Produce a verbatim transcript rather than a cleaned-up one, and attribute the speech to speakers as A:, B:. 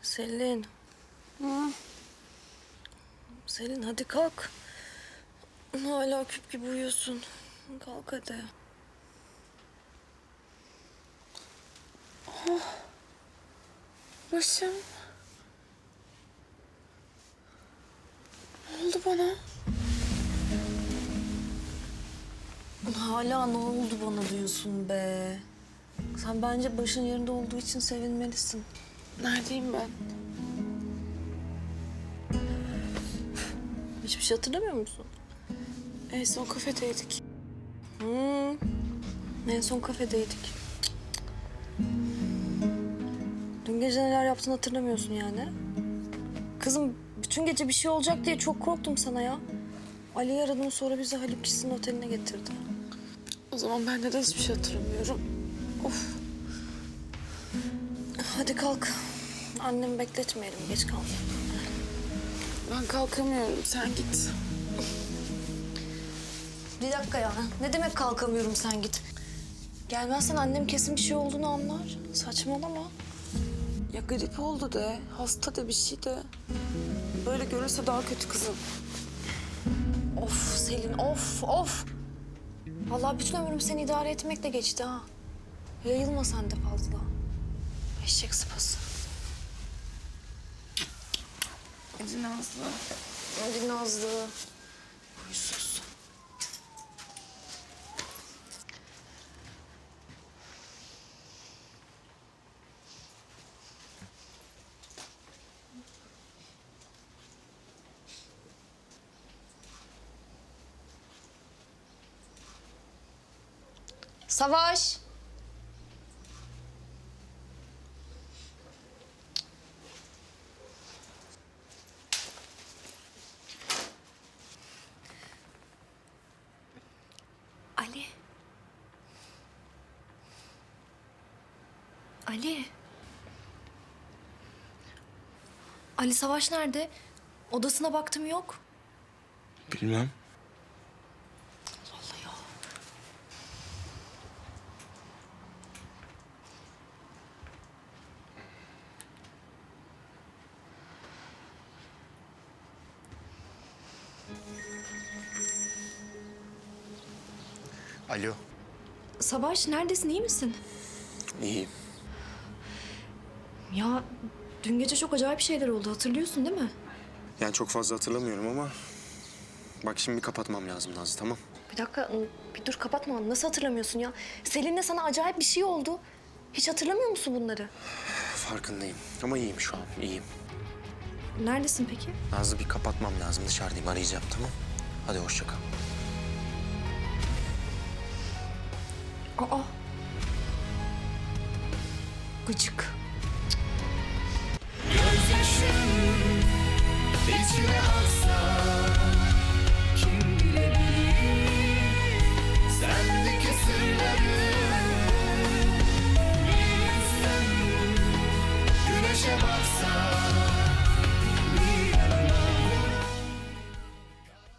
A: Selin.
B: Hı.
A: Selin hadi kalk. Hala küp gibi uyuyorsun. Kalk hadi.
B: Başım. Ne oldu bana?
A: Hala ne oldu bana diyorsun be. Sen bence başın yerinde olduğu için sevinmelisin.
B: Neredeyim ben?
A: Hiçbir şey hatırlamıyor musun?
B: En son kafedeydik.
A: Hmm. En son kafedeydik. Dün gece neler yaptığını hatırlamıyorsun yani. Kızım bütün gece bir şey olacak diye çok korktum sana ya. Ali'yi aradım, sonra bizi Haluk Kişi'nin oteline getirdi.
B: O zaman ben neden hiçbir şey hatırlamıyorum? Of.
A: Hadi kalk. Annemi bekletmeyelim, geç kalma.
B: Ben kalkamıyorum. Sen git.
A: Bir dakika ya. Ne demek kalkamıyorum, sen git. Gelmezsen annem kesin bir şey olduğunu anlar. Saçmalama.
B: Ya grip oldu de, hasta de, bir şey de. Böyle görürse daha kötü kızım.
A: Of Selin, of, of. Vallahi bütün ömrüm seni idare etmekle geçti ha. Yayılma sen de fazla. Eşek sıpası.
B: Hadi Nazlı.
A: Hadi Nazlı. Huysuz. Savaş. Ali. Ali. Ali Savaş nerede? Odasına baktım, yok.
C: Bilmem.
A: Allah ya.
C: Alo.
A: Savaş neredesin, iyi misin?
C: İyiyim.
A: Ya dün gece çok acayip şeyler oldu, hatırlıyorsun değil mi?
C: Yani çok fazla hatırlamıyorum ama... Bak şimdi bir kapatmam lazım Nazlı, tamam?
A: Bir dakika, bir dur, kapatma. Nasıl hatırlamıyorsun ya? Selin'le sana acayip bir şey oldu. Hiç hatırlamıyor musun bunları?
C: Farkındayım ama iyiyim şu an, iyiyim.
A: Neredesin peki?
C: Nazlı bir kapatmam lazım, dışarıdayım, arayacağım, tamam? Hadi hoşça kal.
A: Aa. Gıcık.